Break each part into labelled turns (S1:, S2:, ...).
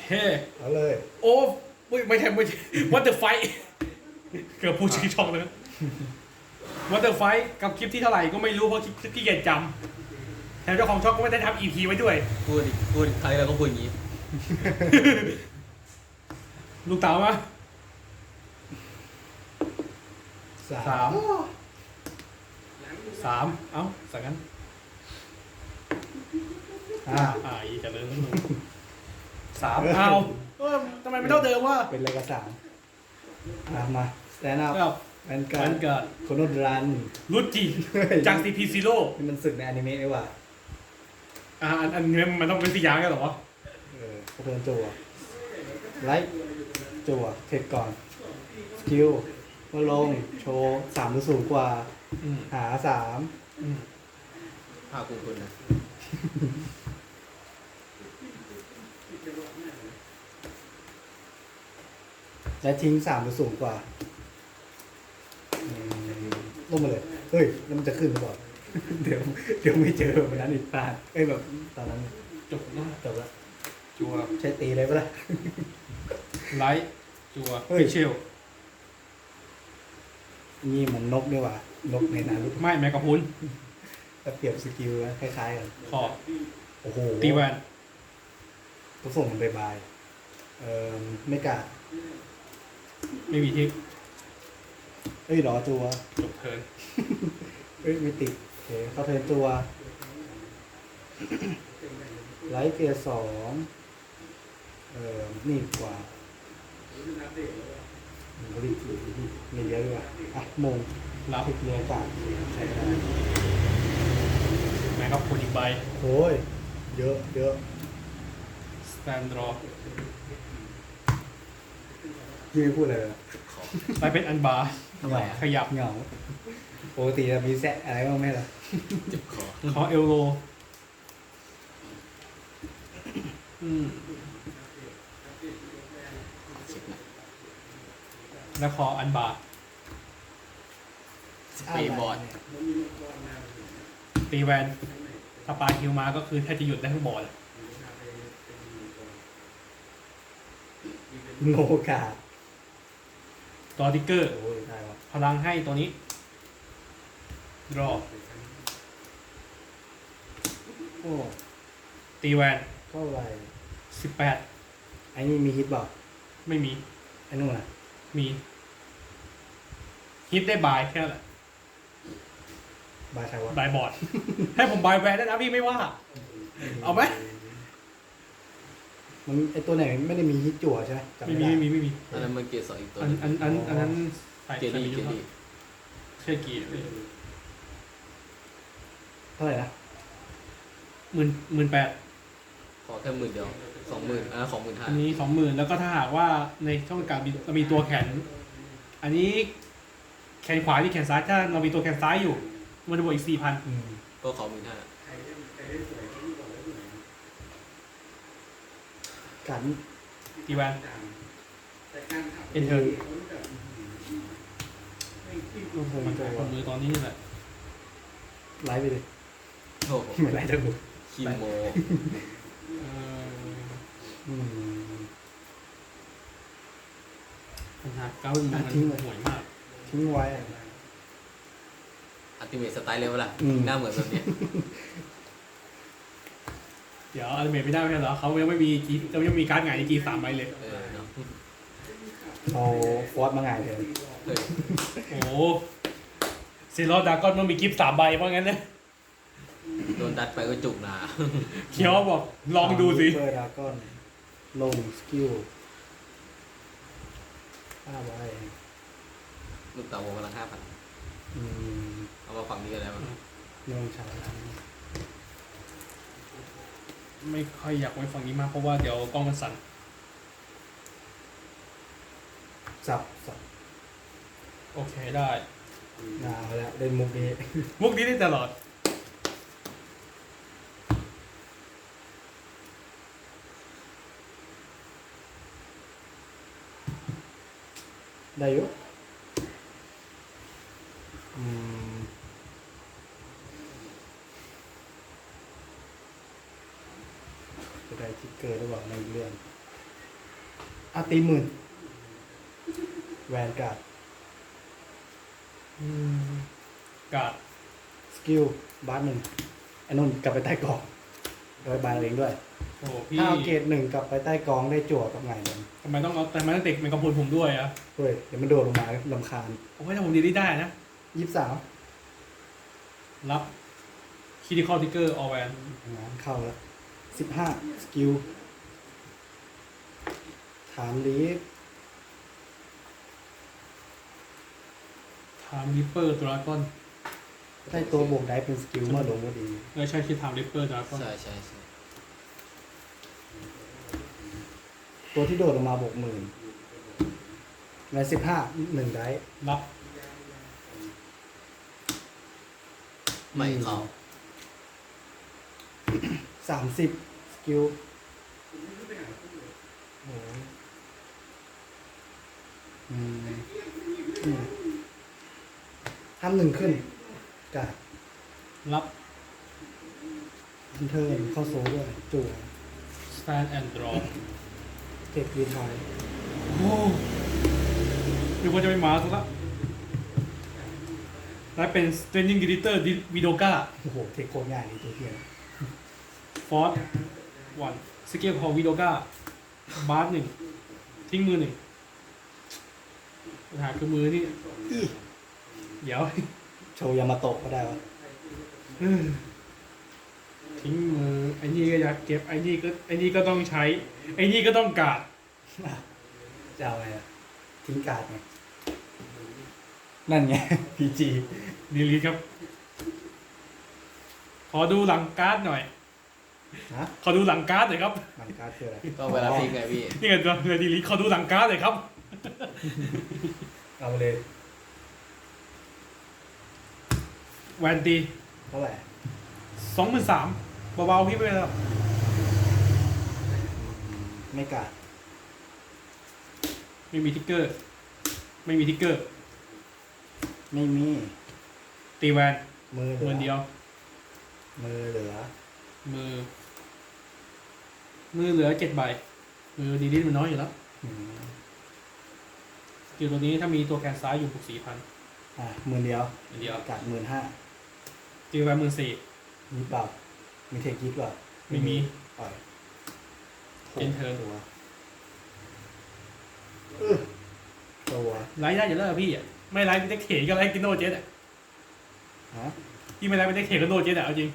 S1: เฮ้
S2: เอาเลย
S1: โอ้ไม่ใช่วัตเตอร์ไฟเกือบพูดชื่อช่องเลยวัตเตอร์ไฟกับคลิปที่เท่าไหร่ก็ไม่รู้เพราะขี้เกียจจำแถมเจ้าของช่องก็ไม่ได้ทำ EP ไว้ด้วย
S3: พูดครั้งแล้วก็พูดอย่างนี้
S1: ลูกเต๋ามา
S2: สา
S1: สาม มเอ้าสักงั้น อีกจะเลยสามเอาทำไมไม่เท่าเดิมวะ
S2: เป็นอะไรกับสามมาสแตนด์อัพ
S1: ครับ
S2: แวนกา
S1: มั
S2: ร์
S1: น
S2: ด
S1: เกิด
S2: โคโนดรัน
S1: รุดจีจาก CP Zero
S2: นี่มันศึกในอนิเมะดีกว่า
S1: อันนี้มันต้องเป็นสี่อย่างกันเหรอ
S2: กระเทินจั่วไลท์จั่วเทคก่อนสกิลเมื่อลงโชว์3หรือสูงกว่า หา
S3: ภาคคุณนะ
S2: 3และทิ้ง3หรือสูงกว่าลงมาเลย เฮ้ยแล้วมันจะขึ้นหรือเปล่า เดี๋ยวไม่เจอวันนั้นอีกพลาดแบบตอนนั้น
S1: จบนะ
S2: จบแล้ว
S1: จัว
S2: ใช้ตีเลยปะล่ะ
S1: ไลท์จัว
S2: เฮ้ย
S1: เชล
S2: นี่มันนกด้วยว่ะนกในนารุโตะ
S1: ไม่แมกกาพุน
S2: แต่เปรียบสกิลนะคล้ายๆกัน
S1: ขอ
S2: โอ้โห
S1: ตีแวน
S2: ต้องส่งมันไปบายไม่กล้า
S1: ไม่มีทิก
S2: เอ้ยรอจัว
S1: จบเทิร์น
S2: เอ้ยไม่ติดโอเคเข้าเทิร์นจัวไลท์เกียร์2นี่กว่ารีบมีเยอะด้วยอ่ะมง
S1: รับ
S2: ติดเรือปากใช้ได้
S1: แมกกาพุนอีกใบ
S2: โอ้ยเยอะ
S1: สแตนดรอ
S2: พี่ไม่พูดอะไรเลย
S1: ไปเป็นอันบาร์
S3: ทำไมอ่ะ
S1: ขยับ
S2: เหงาปกติจะมีแซะอะไรบ้างไหมล่ะ
S3: เจ็บคอ
S1: ขอเอลโลแล้วขออันบาร์
S3: สเปรย์บอร์ด
S1: ตีแวนถ้าปลาคิวมาก็คือแทบจะหยุดได้ทั้งบอร์ด
S2: โนกาด
S1: ตัวติ๊กเกอร์
S2: โอ้ยได้วะ
S1: พลังให้ตัวนี้ รอ
S2: โอ้
S1: ตีแวน
S2: เท่าไหร่
S1: 18
S2: ไอ้นี่มีฮิตบอก
S1: ไม่มี
S2: ไอ้นู่นน่ะ
S1: มีฮิตได้บายแค่นั้นแหละ
S2: บายใครวะ
S1: บายบอร์ด ให้ผมบายแวนได้นะพี่ไม่ว่า เอาไหม
S2: มันไอ้ตัวไหนไม่ได้มีฮิตจั่วใช่ไหมจำ
S1: ไม่
S2: ไม่
S1: มี
S2: ได้
S1: ไม่มี
S3: อันนั้นมันเกียร์สองอีกตัว
S1: อันนั้นใส่
S3: เกียร์
S1: ใส่
S3: ดี
S1: เย
S3: เกีย
S1: อะ
S3: ร์ดี
S1: เชื่อกี่
S2: เท่าไหร่นะ
S1: 18,000
S3: ขอแค่10,000เดียว20,000ของ15,000
S1: อันนี้20,000แล้วก็ถ้าหากว่าในช่องการเรามีตัวแขน อันนี้แขนขวาที่แขนซ้ายถ้าเรามีตัวแขนซ้ายอยู่มันจะบวกอีก 4,000
S3: ก็ขอ15,000
S2: กัน
S1: ตีแวนเอ็นเทอร์
S2: ลงเทิร์น
S1: มัน
S2: จั่
S1: ขายคน
S2: ว
S1: มือตอนนี้นี่แหละ
S2: ไลฟ์ไปเลย
S3: โอ้โห
S2: ไม่ไลฟ์ทั้งหมด
S3: คีโม
S2: อืม
S1: ปัญหาเก้ามันห่วยมาก
S2: ทิ้งไว้
S3: อัลติเมทสไตล์เร็วล่ะ
S2: อืม
S3: หน้าเหมือนแบบเนี้ย
S1: เดี๋ยวอัลเมทไม่ได้ไม่ใช่เหรอเขายังไม่มีจีจะยังมีการ์ดไงในจี3ใบเลย
S3: เนาะ
S2: เอาฟอสมาไงายเลย
S3: เฮ้ย
S1: โอ้เซรอดากอนมันมีกิฟต์3ใบเพราะงั้นนะ
S3: โดนดัดไปก็จุกหนา
S1: เคียวบอกลองดูสิ
S2: เปิดดราก้อนลงสกิล5 ใบ
S3: ลูกเต๋าโมพลัง 5,000
S2: อืม
S3: เอามาฝั่งนี้กันแล้ว
S2: ลงชาร์จ
S1: ไม่ค่อยอยากไว้ฝั่งนี้มากเพราะว่าเดี๋ยวกล้องมันสั่น
S2: สับ
S1: โอเคได้
S2: เอาละเล่นมุกนี้
S1: มุกนี้ได้ตลอด
S2: ได้อยู่อืมจะได้ทิกเกอร์หรือเปล่าในเรื่องตีหมื่นแวนการ์ด
S1: การ์ด
S2: สกิลบาร์หนึ่งไอ้นุ่นกลับไปใต้กองโดยบาร์เองด้วย
S1: โอ้พี่
S2: ถ้าเอาเกรดหนึ่งกลับไปใต้กองได้จั่วกับไงมัน
S1: ทำไมต้องเด็กเป็นกระพุนผมด้วยอะ
S2: เฮ้ยเดี๋ยวมันโดดลงมาลำคาญ
S1: โอ้ยถ้าผมดีได้นะ
S2: 23
S1: รับคิดิคอลทิกเกอร์ออแวน
S2: งานเข้าแล้ว15สกิลถามลีฟ
S1: ไทม์ริปเปอร์ดราก้อน
S2: ได้ตัวบวกได้เป็นสกิลเมื่อลงก็ดี
S1: ใช่คิดไทม์ริปเปอร์ดราก้อน
S3: ใช่
S2: ตัวที่โดดลงมาบวกหมื่นใน15 1ได้
S1: รับ
S3: ไม่เข้า
S2: 30สกิลโอ้ยทำหนึ่งขึ้นกาด
S1: รับ
S2: ทันเทิร์นเข้าโซ่ด้วยจั่ว
S1: สแตนแอนด์ดรอ
S2: เทควีทาย
S1: โอ้นึกว่าจะไม่มาซะละและเป็น Stranding Editor วิโดกา
S2: โอ้โหเทคโคตรง่ายเลยตัวเทียน
S1: ฟอร์สวันสเกลของวิโดกาบาร์หนึ่งทิ้งมือหนึ่งปัญหาคือมือนี่
S2: อี
S1: เดี๋ยว
S2: โชว์ยามาโตะก็ได้วะ
S1: ทิ้งมือไอ้นี่ก็อยากเก็บไอ้นี่ก็ต้องใช้ไอ้นี่ก็ต้องการด
S2: จะเอาไงอะทิ้งการ์ดไงนั่นไง PG
S1: ดีลีทครับ ขอดูหลังการ์ดหน่อย
S2: ฮะ
S1: ขอดูหลังการ์ดหน่อยครับ
S2: มันการ์ดคืออะไร
S3: ต้องเวลาพลิกไงพี่
S1: นี่ไงตัวดีลีทขอดูหลังการ์ดหน่อยครับ
S2: เอาเลย
S1: แวนตี
S2: เท่าไหร่
S1: 23,000เบาๆพี่ไปเลยครับ
S2: ไม่การ์ด
S1: ไม่มีทิกเกอร์ ไม่มีทิกเกอร์
S2: ไม่มี
S1: ตีแวน
S2: มือเหลื
S1: เงินเดียว
S2: มือเหลือ
S1: มือเหลือ7 ใบ มือดีลิทมันน้อยอยู่แล้ว
S2: อืม
S1: สกิลตัวนี้ถ้ามีตัวแกนซ้ายอยู่บวก4,000
S2: มือเดียว
S1: อันเดียว
S2: การ์ด15,000
S1: ตีแวน14,000
S2: มีเปล่ามีเทคยิปเปล่า
S1: ไม่มี
S2: ปล่อย
S1: เป็นเทิร์น
S2: ตัวตัว
S1: ไลฟ์ได้อยู่แล้วอะพี่อะไม่ไลฟ์เป็นเด็กเขก็ไลฟ์กินโนเจ็ตอะ
S2: ฮะ
S1: พี่ไม่ไลฟ์เป็นเด็กเขก็โนเจ็ตอะเอาจริง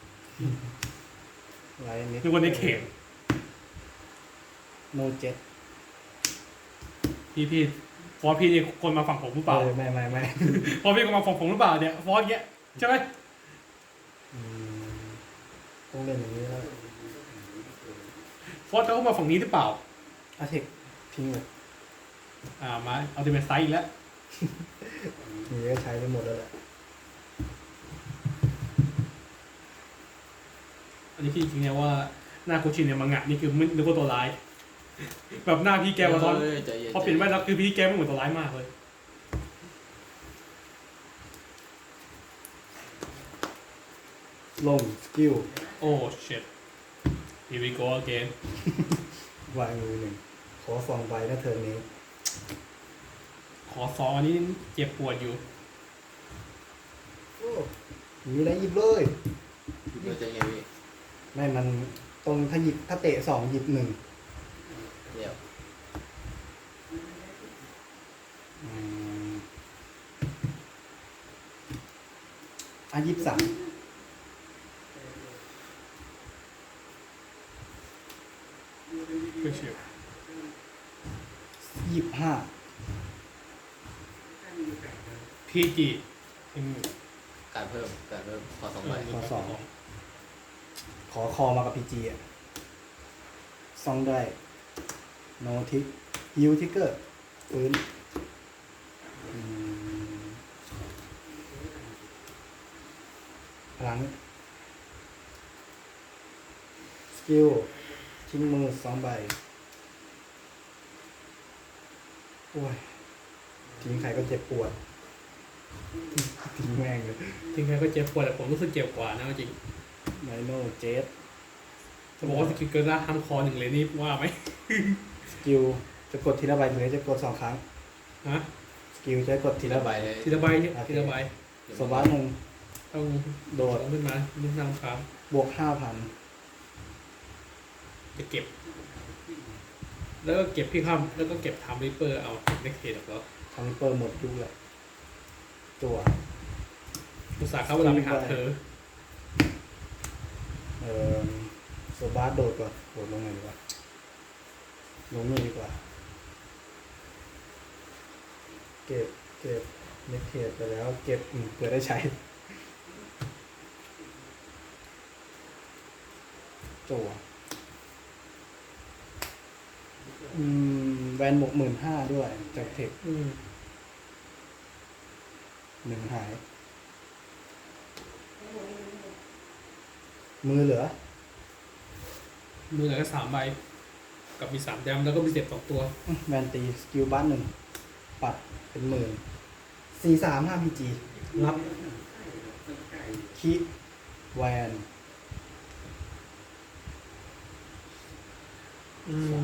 S2: ไลน์นิด
S1: นึกว่าเด็กเข
S2: โนเจ็ต
S1: พี่ฟอสพี่นี่คนมาฝั่งผมหรือเปล่า
S2: ไม่
S1: ฟอสพี่คนมาฝั่งผมหรือเปล่าเนี่ยฟอสเงี้ยใช่ไหม
S2: อืมต้องเล่นอย่างนี้แล้ว
S1: ฟอสเขามาฝั่งนี้หรือเปล่า
S2: อาเทคทิ้งเลย
S1: มาเอาติเมทไซส์อีกแล้ว
S2: มีก็ใช้ไปหมดแล้วแหละ
S1: อันนี้พี่จริงๆเนี่ยว่าหน้าโคชินเนี่ยมังงะนี่คือไม่นึกว่าตัวร้าย แบบหน้าพี่แกมาตอน
S3: ใจเย็น
S1: พอเปลี่ยนแว่นแล้วคือพี่แกไม่เหมือนตัวร้ายมากเลย
S2: ลงสกิล
S1: โอ้ shit here we go again
S2: วางมือหนึ่งขอ2 ใบนะเทิร์นนี้
S1: ขอ2อันนี้เจ็บปวดอยู่
S2: โอ้มีอะไรหยิบเลย
S3: เราจะไงพี่
S2: ไม่มันตรงถ้าเตะ2หยิบ1
S3: เดี๋ยว
S2: อืม23
S1: คือเฉียบ
S2: 25
S1: พี่จีอืม
S3: การเพิ่มขอ2 ใบ
S2: ขอสอง ขอคอมากับ PG อ่ะซองได้โนทิกฮิวทิกเกอร์ฟื้นพลังสกิลทิ้งมือ2 ใบโอ้ยทิ้งใครก็เจ็บปวด ทิ้งแม่งเลย
S1: ถึงแม้ก็เจ็บปวดแต่ผมรู้สึกเจ็บกว่านะจริง
S2: ไนโนเจส
S1: จะบอกว่าสกิลเกินละห้ามคอ1เลยนี่ว่าไหม
S2: สกิลจะกดทีละใบหรือจะกด2 ครั้ง
S1: ฮะ
S2: สกิลจะกดที
S3: ที
S2: ละ
S3: ละ
S2: ใบ
S3: ใบเลย
S1: ทีละใบเนี่ยทีละใบ
S2: สวัสดหนึ่ง
S1: ต้อง
S2: โดด
S1: ขึ้นมานึ่งนำครับ
S2: บวก 5,000
S1: จะเก็บ แล้วก็เก็บพี่ข้ามแล้วก็เก็บไทม์ริปเปอร์เอาเน็กเทดแล้ว
S2: ทำให้เปิดหมดยุคเลยจั่ว
S1: อุตส่าห์เข้าเวลาไปหาเธอ
S2: เอ่อโซบาสโดดก่อนโดดลงไหนดีกว่าลงนี่ดีกว่า เก็บเน็กเทดไปแล้ว เก็บเผื่อได้ใช้จั่วแวนบวก15,000ด้วย จากเทค
S1: อืม
S2: 1 หาย มือเหลือ
S1: มือเหลือแค่3 ใบ กับมี3 แดมแล้วก็มีเจ็บ2 ตัว
S2: แวนตีสกิลบ้าน1 ปัดเป็น10,000 4-3 5 PG
S1: รับ
S2: คิแวน
S1: อืม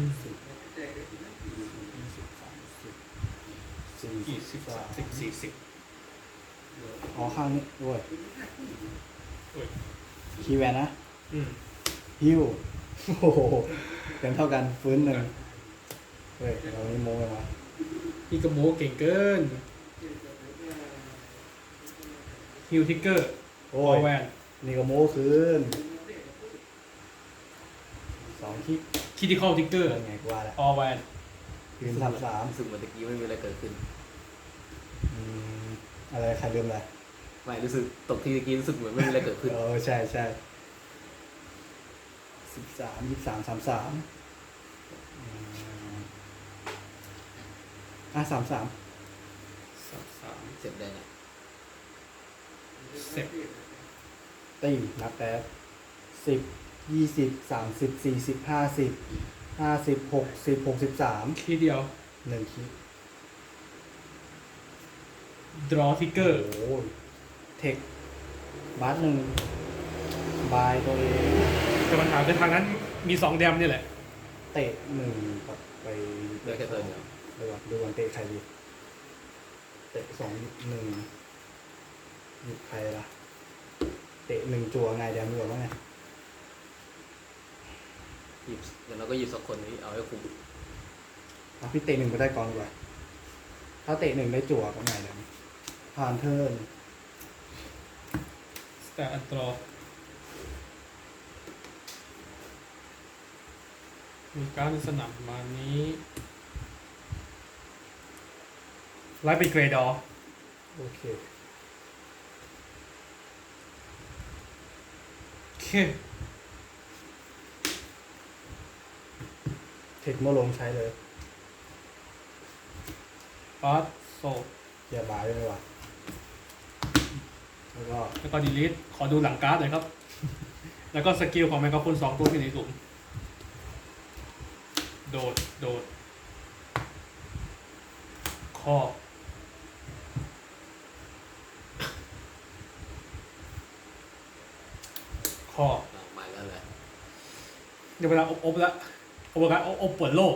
S1: 40
S2: อ๋อข้างนี้ด้วย
S1: โอ้ย
S2: คีแวนนะ
S1: อืม
S2: ฮิวโอ้โหเป็นเท่ากันฟื้นหนึ่งเฮ้ยเรานี่โม้กันวะ
S1: นี่ก็โมเก่งเกินฮิวทิกเกอร์
S2: โอ้
S1: ออย แวน
S2: นี่ก็โม้คืน2 คิ
S1: คิติคอลทิกเกอร์
S2: เป็นไงกูว่าละ
S1: ออแวน
S2: คืน3
S3: รู้สึกเหมือนตะกี้ไม่มีอะไรเกิดขึ้น
S2: อะไรใครลืมอะไร
S3: ไม่รู้สึกตกที่ตะกี้รู้สึกเหมือนไม่มีอะไรเกิดขึ้น
S2: ใช่13 23 3333
S1: 3
S3: เสร็จได้ไง
S1: เสร็จ
S2: ตีนับแป๊บ10 20 30 40 50 50 60 63
S1: ทีเดียว
S2: 1 คิ
S1: ดรอทิกเกอร์
S2: โอ้ยเทคบาส1บายตัวเอง
S1: แต่ปัญหาคือทางนั้นมี2 แดมนี่แหละ
S2: เตะ1ปัดไป
S3: เหลือแค่ตัวเดียว
S2: ดูวันเตะใครดีเตะ2 1หยิบใครล่ะเตะ1จั่วไงเดี๋ยวมีแบบว่าไง
S3: หยิบเดี๋ยวเราก็หยิบสักคนนี้เอาให้คุ้ม
S2: เอาพี่เตะ1ไปได้ก่อนดีกว่าถ้าเตะ1ได้จั่วก็ไงเดี๋ยวผ่านเทิร์น
S1: สแตทอันตรอมีการดในสนามมานี้ไลฟ์เป็นเกรดอร์
S2: โอเค
S1: โอเค
S2: เทคเมื่อลงใช้เลย
S1: ปาร์ตโซ
S2: อย่าบายด้วยว่ะแล้วก็
S1: แล้วก็ดีลิทขอดูหลังการ์ดหน่อยครับ แล้วก็สกิลของแมงกะพรุน2 ตัวที่ในกลุ่มโดดข้อข้อ
S3: เอามาแล้วแหละ
S1: เดี๋ยวเวลาอบแล้วอบกันอบเปิดโลก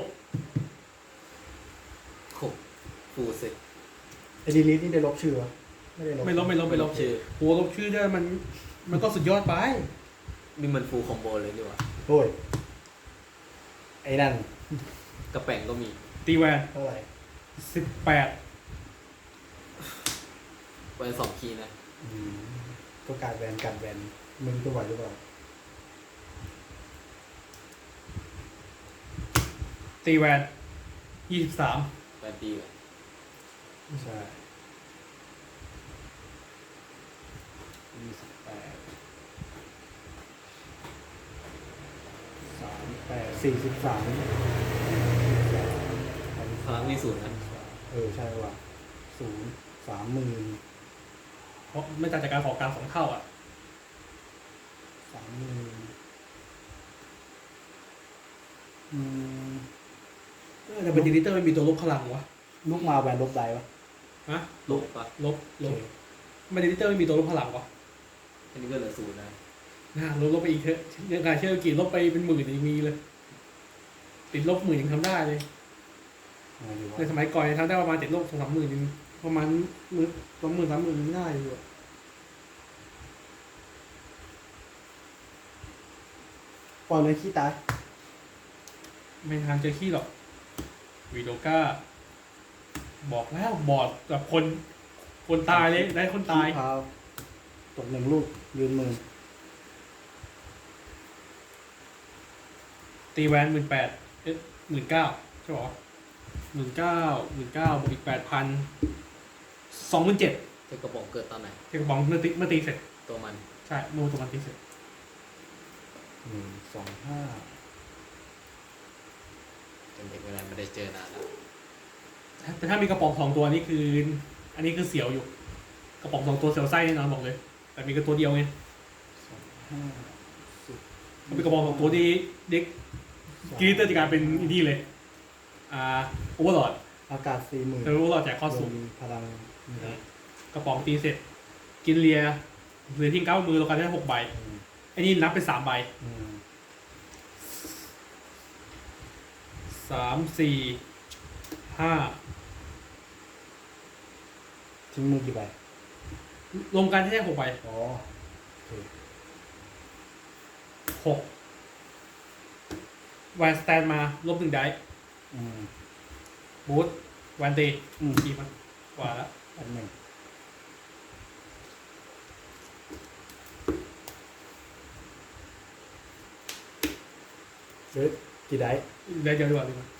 S3: คุกฟูเซ็ต
S2: ไอ้ดีลิทนี่ได้ลบชื่อวะไม่ได้ลบ
S1: ไม่ลบ
S3: ชื่อ
S1: หัวลบชื่อได้มันก็สุดยอดไป
S3: นี่มันฟูลคอมโบเลยดีกว่า
S2: โอ้ยไอ้นั่น
S3: กระแป่งก็มี
S1: ตีแวน
S2: เท่าไหร่
S1: 18
S3: ไว้2 คีย์นะ
S2: ก็การแวนมึงตัวไหวหรือเปล่า
S1: ตีแวน23
S3: แบนตีเลย
S2: ใช่28 43
S3: พลังมี0นะ
S2: ใช่ว่ะ30,000
S1: เพราะไม่ต่างจากการขอการ2 เท่าอ่ะ แต่เป็นดีลิเตอร์ไม่มีตัวลบพลังวะ
S2: ลูกมาแวนลบได้ปะ
S1: ฮะ
S3: ลบปะ
S1: ลบไม่ดีลิเตอร์ไม่มีตัวลบพลังวะ
S3: อันนี้ก็เหลือ0นะ
S1: น่าลบไปอีกเถอะเรื่องการเชื่อกี่ลบไปเป็น10,000ยังมีเลย ติดลบ10,000ยังทำได้เลย
S2: อยู่วะ
S1: ในสมัยก่อนเนี่ยทำได้ประมาณ7 โลก2-3 หมื่นประมาณ20,000 30,000ไม่ได้อยู่อะ
S2: ปล่อยเลยขี้ตาย
S1: ไม่ทางเจอขี้หรอกวีโดก้าบอกแล้วบอดแบบคนตายเลยได้คนตาย
S2: ขี้พาวตก1 ลูกยืนมือ
S1: ตีแวน18,00019,000ใช่ปะ19,000บวกอีก8,000 27,000
S3: เทกระบอกเกิดตอนไหน
S1: เทกระบองเมื่อตีเสร็จ
S3: ตัวมัน
S1: ใช่เมื่อตัวมันตีเสร็จ
S2: 1 2 5
S3: เป็นเด็กเวลาไม่ได้เจอนานแล้ว
S1: แต่ถ้ามีกระป๋อง2 ตัวนี่คือ อันนี้คือเสียวอยู่ กระป๋อง2 ตัวเสียวไส้แน่นอนบอกเลย แต่มีแค่ตัวเดียวไง
S2: 5
S1: ถ้ามีกระป๋อง2 ตัวที่เด็กกรีเตอร์จะกลายเป็นอินดี้เลยโอเวอร์ลอด
S2: อากาศ 40,000
S1: แต่โอเวอร์ลอดแจกข้อสูง
S2: รวมพลังนี่นะ
S1: กระป๋องตีเสร็จ กินเลียเหลือทิ้ง9 มือเรากันได้6 ใบไอ้นี่นับเป็น3 ใบ 3 4 5
S2: ทิ้งมือกี่ใบ
S1: รวมกันให้ได้6 ใบ
S2: อ๋อโอเค
S1: 6แวนสแตนมาลบ1 ได้
S2: อืม
S1: บูทแวนตี
S2: อืม
S1: กี่มันกว่าแล้ว
S2: อันหนึ่งเฮ้ยกี่ได้
S1: ได้เดียวดีกว่าดีกว่า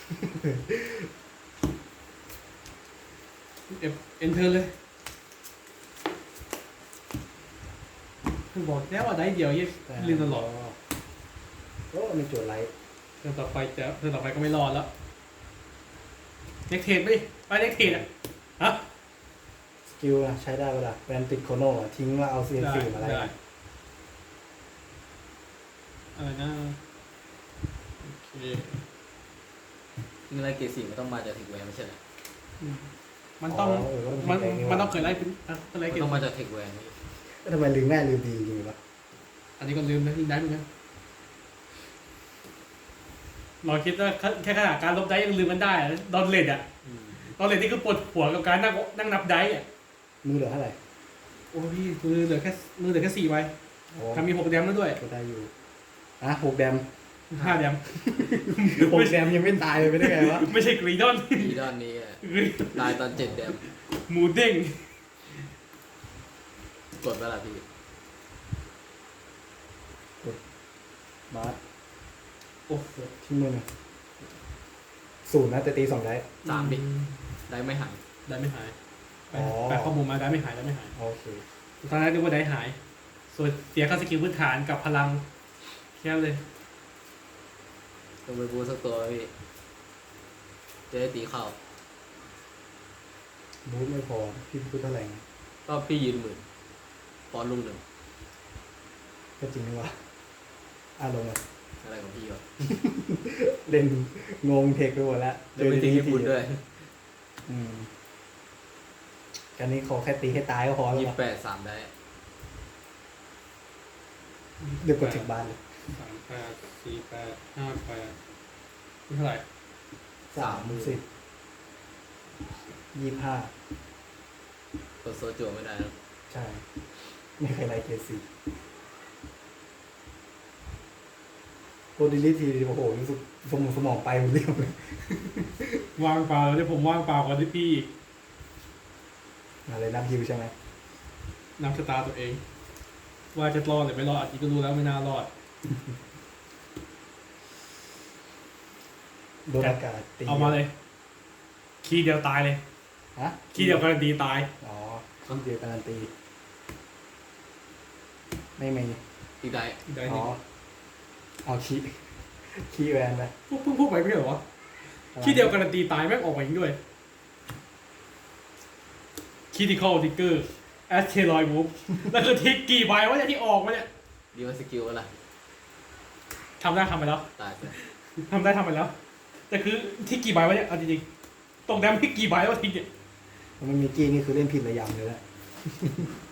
S1: เอ็นเทอร์เลยคือบอกแล้วว่าได้เดียวยี่ลืมตลอด
S2: โอ้มีโจทย์ไลท์
S1: เทิร์นต่อไปก็ไม่รอดแล้วเน็กเทดไปดิไปเน็กเทดอ่ะฮะ
S2: สกิลนะใช้ได้เวลาแวนติดโคโน่อะทิ้งว่าเอาซีน
S1: ได้
S2: ซีมาไล่
S1: ได้อะไรนะโอเค
S3: เงินไรเกรด4มันต้องมาจากเทคแวร์ไม่ใช่เหรอ
S1: มันต้อง
S2: เออ
S1: มันต้องเคยไล่เป็นไล่
S3: มัน
S1: เก็บ
S3: ต้องมาจากเทคแวร์นี่
S2: ทำไมลืมแม่ลืมดีจริงวะ
S1: อันนี้ก็ลืมนะยิงได้เหมือนกันเราคิดว่าแค่ขนาดการลบได้ยังลืมกันได้อะดอนเลดอะดอนเลดนี่คือปวดหัวกับการนั่งนับได้อะ
S2: มือเหลือเท่าไหร่
S1: โอ้พี่มือเหลือแค่4 ใบ
S2: โอ้
S1: ทำมี6 แดมแล้วด้วย
S2: ก็ได้อยู่6 แดม
S1: 5 แดม
S2: 6 แดมยังไม่ตายเลยไม่ได้ไงวะ
S1: ไม่ใช่กรีดอน
S3: อีดอนนี้อะตายตอน7 แดม
S1: หมูเด้ง
S3: กดเวลาพี่
S2: บาส
S1: โอ้โห
S2: ทิ้งมือหนึ่ง0นะแต่ตี2ได้
S3: 3 ดิได้ไม่หาย
S1: ได้ไม่หาย
S2: อ๋อ
S1: แปลข้อมูลมาได้ไม่หาย
S2: โอเค
S1: ตอนแรกนึกว่าได้หาย ส่วนเสียค่าสกิลพื้นฐานกับพลังแค่นั้นเลย
S3: ต้องไปบูสักตัวพี่จะได้ตีเข้า
S2: บูทไม่พอพี่พูดเท่าไหร่ไง
S3: ก็พี่ยืน10,000ปอนลุง 1
S2: ก็จริงนี่วะลงเลย
S3: อะไรของพี่วะ
S2: เล่นงงเทคไปหมดแล้ว
S3: เดี๋ยวไม่ตีญี่ปุ่นด้วย
S2: อืมการนี้ขอแค่ตีให้ตายก็พอแล้ววะ
S3: 28 3 ได้
S2: เดี๋ยวกดถึงบ้านเลย
S1: 38 48 58นี่เท่าไหร่
S2: 30 25
S3: กดโซจั่วไม่ได้แล้ว
S2: ใช่ ไม่เคยไล่เกรด4โคดิลิทีโอ้โหรู้สึกสมองไปหมดเรียบเลย
S1: ว่างเปล่าแล้วที่ผมว่างเปล่ากว่าที่พี่
S2: อะไรนับฮิวใช่ไหม
S1: นับชะตาตัวเอง ว่าจะรอดหรือไม่รอดอาทิตย์ก็รู้แล้วไม่น่ารอด
S2: โดนอากาศตี
S1: เอามาเลย คีย์เดียวตายเลย
S2: ฮะ
S1: คีย์เดียวการันตีตาย
S2: อ๋อคีย์เดียวการันตี ไม่มี
S3: อีกได้
S1: ได้
S2: อ๋
S1: นี่
S2: อ เอาคีย์แวนไป
S1: เพิ่งพูดไปไม่ใช่เหรอวะคีย์เดียวการันตีตายแม่งออกมาอีกด้วยคีย์ดิคอลทิกเกอร์แอสเทรอยมูฟแล้วคือทิกกี่ใบวะเนี่ยที่ออกมาเนี่ย
S3: ดีมาสกิลอะไร
S1: ทำได้ทำไปแล้ว
S3: ตายไป
S1: ทำไปแล้ว แต่คือที่กี่ใบวะเนี่ยเอาจริงๆตรงแดมที่กี่ใบวะทิกเนี่ย
S2: มันมีกี้นี่คือเล่นผิดระยำเลยแหละ